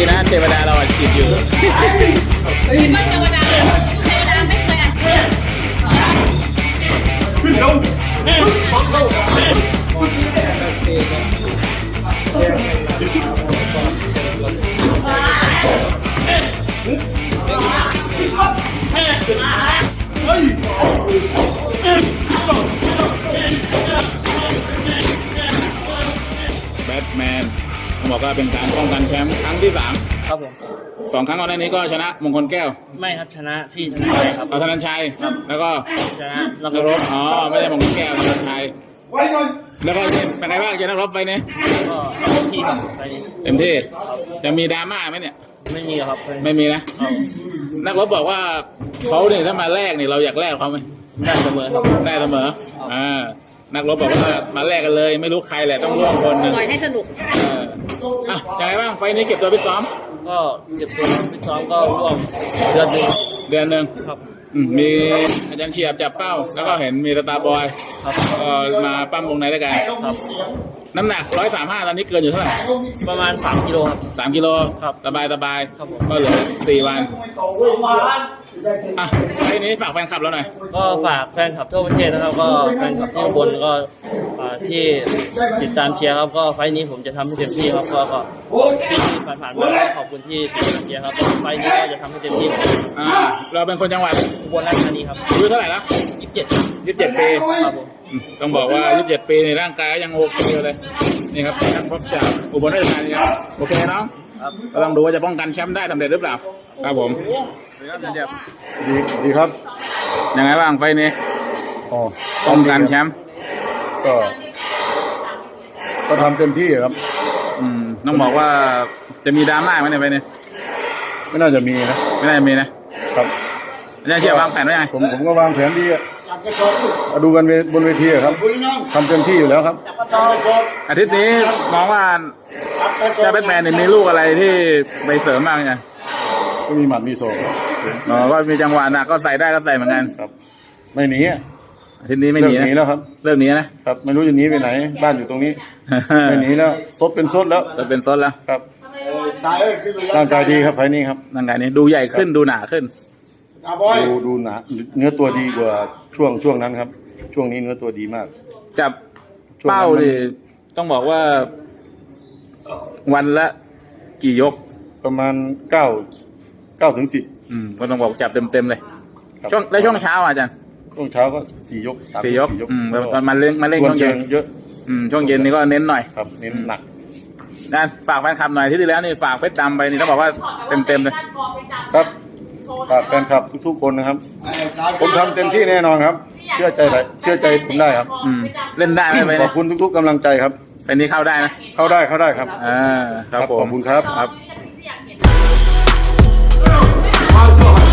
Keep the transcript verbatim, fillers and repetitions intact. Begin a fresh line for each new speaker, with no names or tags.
ดีนะเทวดาเราจิตอยู่
คิดว่าเทวดาเทวดาไม่เคยอ่านขึ้นลง
แบทแมนผมบอกว่าเป็นการป้องกันแชมป์ครั้งที่สาม
ครับผม
สองครั้งก่อนหน้านี้ก็ชนะมงคลแก้ว
ไม่ครับชนะพี่ธนชัยครับ
เอาธนันชัยแล้วก็
ชนะนักรบ
อ๋อไม่ใช่มงคลแก้วธนันชัยแล้วก็เป็นไงบ้างเจอนักรบไฟนี้
ก็เต็มที่ครับไฟนี้
เต็มที่จะมีดราม่าไหมเนี่ย
ไม่มีครับ
ไม่มีนะนักรบบอกว่าเขาเนี่ยถ้ามาแรกเนี่ยเราอยากแลกเขาไหม
ได้เสมอครับ
ได้เสมออ่านักรบบอกว่ามาแลกกันเลยไม่รู้ใครแหละต้องร่วมคนหนึ่ง
ปล่อยให้สนุก
อ่ะยังไงบ้างไฟนี้เก็บตัวไปซ้อม
ก็เก็บตัวไปซ้อมก็ร่วมเดือนหนึ่ง
เดือนหนึ่ง
ครับ
มีอาจารย์เฉียบจับเป้าแล้วก็เห็นมีตาบอย
ครับ
ก็มาปั้มวงในด้วยกัน
ครับ
น้ำหนักร้อยสามห้าตอนนี้เกินอยู่เท่าไหร่
ประมาณสามกิโลครับ
สามกิโล
ครับ
สบายสบาย
ครับ
ก็เหลือสี่วันอ่ะไอ้นี้ฝากแฟนคลับเราหน่อย
ก็ฝากแฟนคลับทั่วประเทศนะครับก็แฟนคลับที่อุบลก็ที่ติดตามเชียร์ครับก็ไฟล์นี้ผมจะทำให้เต็มที่ครับก็ก็ที่ผ่านๆมาขอบคุณที่ติดตามเชียร์ครับไฟล์นี้ก็จะทำให้เต็มที่
อ่าเราเป็นคนจังหวัด
อุบลราชธานีครับ
อายุเท่าไหร่แล้ว
ยี่สิบเจ็ด
ยี่สิบเจ็ดปี
ครับผม
ต้องบอกว่ายี่สิบเจ็ดปีในร่างกายยังโอเคเลยนี่ครับนักรบจากอุบลราชธานีครับโอเคน้องก็ต้องดูว่าจะป้องกันแชมป์ได้สำเร็จหรือเปล่าครับผม
ดีดีครับ
ยังไงบ้างไฟนี้
อ๋อ
ป้องกันแชมป์
ก็ก็ทำเต็มที่ครับ
อืมต้องบอกว่าจะมีดราม่าไหมในไฟนี้
ไม่น่าจะมีนะ
ไม่น่าจะมีนะครับอาจารย์เชี่ยววางแผนไว้ยังไง
ผมผมก็วางแผนดีอะมาดูกันบนเวทีครับทำเต็มที่อยู่แล้วครับ
อาทิตย์นี้มองว่าเจ้าแบทแมนมีลูกอะไรที่ไปเสริมบ้างไง
ก็มีหมัดมีโซ่
อ๋อก็มีจังหวะหนักก็ใส่ได้ก็ใส่เหมือนกัน
ครับไม่หนี
อาทิตย์นี้ไม่หนี
แล้วครับ
เรื่องนี้นะครับ
ไม่รู้จะหนีไปไหนบ้านอยู่ตรงนี้ไม่หนีแล้วซดเป็นซดแล้ว
ซดเป็นซดแล้ว
ครับร่างกายดีครับไฟนี้ครับ
ร่างกายนี้ดูใหญ่ขึ้นดูหนาขึ้น
ดูดูหนาเนื้อตัวดีกว่าช่วงช่วงนั้นครับช่วงนี้เนื้อตัวดีมาก
จับเป้าดิต้องบอกว่าวันละกี่ยก
ประมาณเก้าเก้าถึงสิบ
อืมก็ต้องบอกจับเต็มเต็มเลยช่วงแล้วช่วงเช้าอาจารย์
ช่วงเช้าก็สี่ยก
สี่ยกอืมตอนมาเล่นมาเล่นช่วงเย็น
เยอะ
อืมช่วงเย็นนี่ก็เน้นหน่อย
ครับเน้นหนัก
นั่นฝากแฟนคลับหน่อยที่ที่แล้วนี่ฝากเพชรดำไปนี่ต้องบอกว่าเต็มเต็มเลย
ครับฝากแฟนคลับทุกๆคนนะครับผมทำเต็มที่แน่นอนครับเชื่อใจเชื่อใจผมได้ครับ
อืมเล่นได้ไหม
ขอบคุณทุกๆกำลังใจครับ
เป็นนี้เข้าได้นะ
เข้าได้เข้าได้ครับ
อ่าครับผม
ขอบคุณครับ
ครับ